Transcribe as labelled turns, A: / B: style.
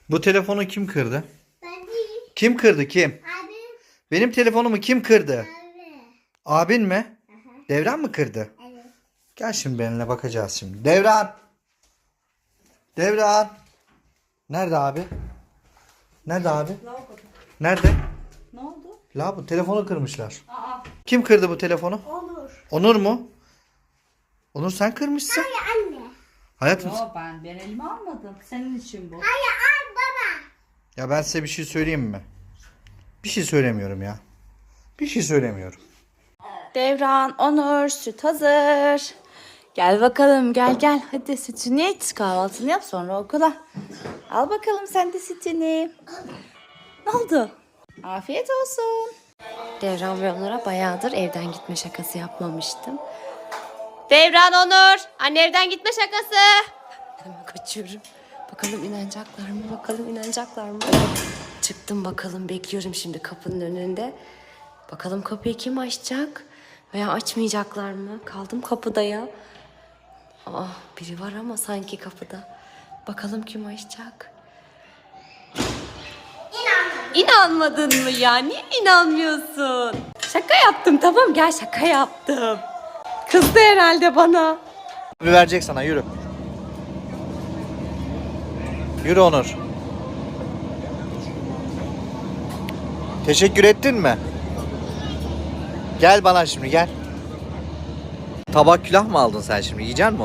A: Bu telefonu kim kırdı?
B: Ben değil.
A: Kim kırdı kim?
B: Abi.
A: Benim telefonumu kim kırdı?
B: Abi.
A: Abin mi?
B: Aha.
A: Devran mı kırdı?
B: Evet.
A: Gel şimdi benimle bakacağız şimdi. Devran. Devran. Nerede abi? Nerede abi?
C: Lavaboda.
A: Nerede?
C: Ne oldu?
A: La bu telefonu kırmışlar.
C: Aa.
A: Kim kırdı bu telefonu?
B: Olur.
A: Onur mu? Onur sen kırmışsın.
B: Hayır anne.
A: Hayatım.
C: Yo ben elime almadım. Senin için bu.
B: Hayır al baba.
A: Ya ben size bir şey söyleyeyim mi? Bir şey söylemiyorum ya. Bir şey söylemiyorum.
D: Devran, Onur, süt hazır. Gel bakalım gel. Hadi sütünü iç, kahvaltını yap sonra okula. Al bakalım sen de sütünü. Ne oldu? Afiyet olsun.
E: Devran ve Onur'a bayağıdır evden gitme şakası yapmamıştım.
D: Devran, Onur. Anne evden gitme şakası.
E: Hemen kaçıyorum. Bakalım inanacaklar mı? Çıktım bakalım, bekliyorum şimdi kapının önünde. Bakalım kapıyı kim açacak? Veya açmayacaklar mı? Kaldım kapıda ya. Aa, biri var ama sanki kapıda. Bakalım kim açacak? İnanmadın mı ya? Niye inanmıyorsun? Şaka yaptım, tamam gel, şaka yaptım. Kızdı herhalde bana.
A: Bir verecek sana, yürü. Yürü Onur. Teşekkür ettin mi? Gel bana şimdi gel. Tabak külah mı aldın sen şimdi? Yiyecek misin?